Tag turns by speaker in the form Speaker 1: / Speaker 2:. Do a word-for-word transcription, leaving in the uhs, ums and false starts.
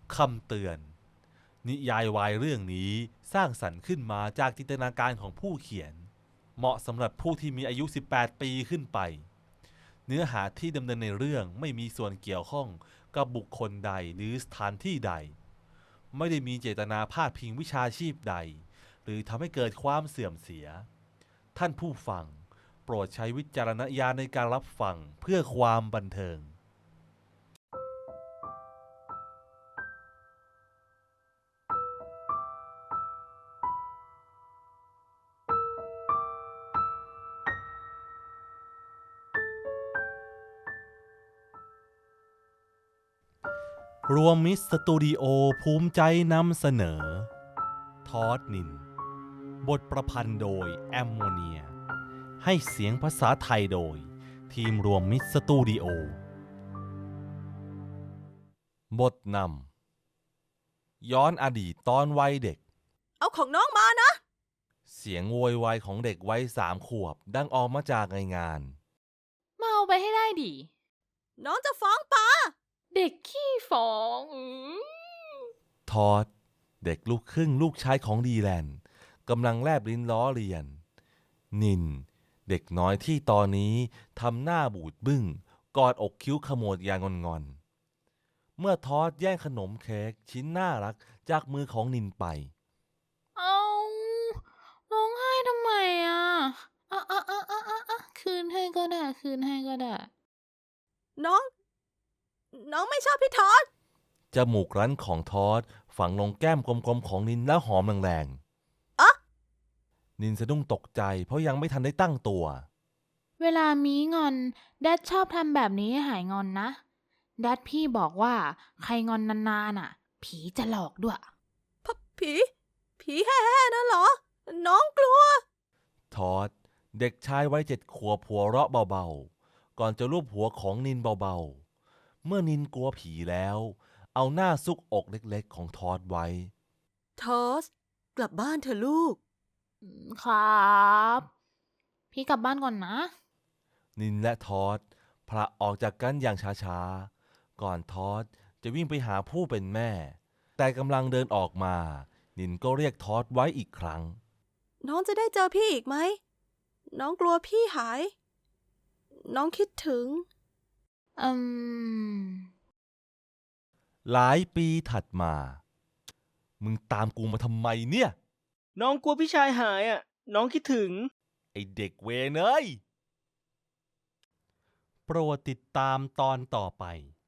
Speaker 1: คำเตือนนิยายวายเรื่องนี้สร้างสรรค์ขึ้นมาจากจินตนาการของผู้เขียนเหมาะสำหรับผู้ที่มีอายุสิบแปดปีขึ้นไปเนื้อหาที่ดำเนินในเรื่องไม่มีส่วนเกี่ยวข้องกับบุคคลใดหรือสถานที่ใดไม่ได้มีเจตนาพาดพิงวิชาชีพใดหรือทำให้เกิดความเสื่อมเสียท่านผู้ฟังโปรดใช้วิจารณญาณในการรับฟังเพื่อความบันเทิงรวมมิตรสตูดิโอภูมิใจนำเสนอทอดนินบทประพันธ์โดยแอมโมเนียให้เสียงภาษาไทยโดยทีมรวมมิตรสตูดิโอบทนำย้อนอดีตตอนวัยเด็ก
Speaker 2: เอาของน้องมานะ
Speaker 1: เสียงโวยวายของเด็กวัยสามขวบดังออกมาจากในงาน
Speaker 3: มาเอาไปให้ได้ดิ
Speaker 2: น้องจะฟ้องป้า
Speaker 3: เด็กขี้ฟ้องอือ
Speaker 1: ทอดเด็กลูกครึ่งลูกชายของดีแลนด์กำลังแลบลิ้นล้อเลียนนินเด็กน้อยที่ตอนนี้ทำหน้าบูดบึ้งกอดอกคิ้วขมวดอย่างงอนๆเมื่อทอดแย่งขนมเค้กชิ้นน่ารักจากมือของนินไป
Speaker 3: เอาร้องไห้ทำไมอ่ะอ่ะอ่ะอ่ะอ่ะอ่ะคืนให้ก็ได้คืนให้ก็ได้
Speaker 2: น้องน้องไม่ชอบพี่ทอด
Speaker 1: จมูกรั้นของทอดฝังลงแก้มกลมๆของนินแล้วหอมแรง
Speaker 2: ๆอะ
Speaker 1: นินสะดุ้งตกใจเพราะยังไม่ทันได้ตั้งตัว
Speaker 3: เวลามีงอนแดดชอบทำแบบนี้ให้หายงอนนะแดดพี่บอกว่าใครงอนนานๆอ่ะผีจะหลอกด้วย
Speaker 2: พผีผีแห่ๆนั่นเหรอน้องกลัว
Speaker 1: ทอดเด็กชายวัยเจ็ดขวบหัวเราะเบาๆก่อนจะลูบหัวของนินเบาๆเมื่อนินกลัวผีแล้วเอาหน้าซุกอกเล็กๆของทอดไว้
Speaker 2: ทอสกลับบ้านเถอะลูก
Speaker 3: ครับพี่กลับบ้านก่อนนะ
Speaker 1: นินและทอดพละออกจากกันอย่างช้าๆก่อนทอดจะวิ่งไปหาผู้เป็นแม่แต่กำลังเดินออกมานินก็เรียกทอดไว้อีกครั้ง
Speaker 2: น้องจะได้เจอพี่อีกไหมน้องกลัวพี่หายน้องคิดถึง
Speaker 3: อืม
Speaker 1: หลายปีถัดมามึงตามกูมาทำไมเนี่ย
Speaker 4: น้องกลัวพี่ชายหายอ่ะน้องคิดถึง
Speaker 1: ไอเด็กเวรเอ้ยโปรดติดตามตอนต่อไป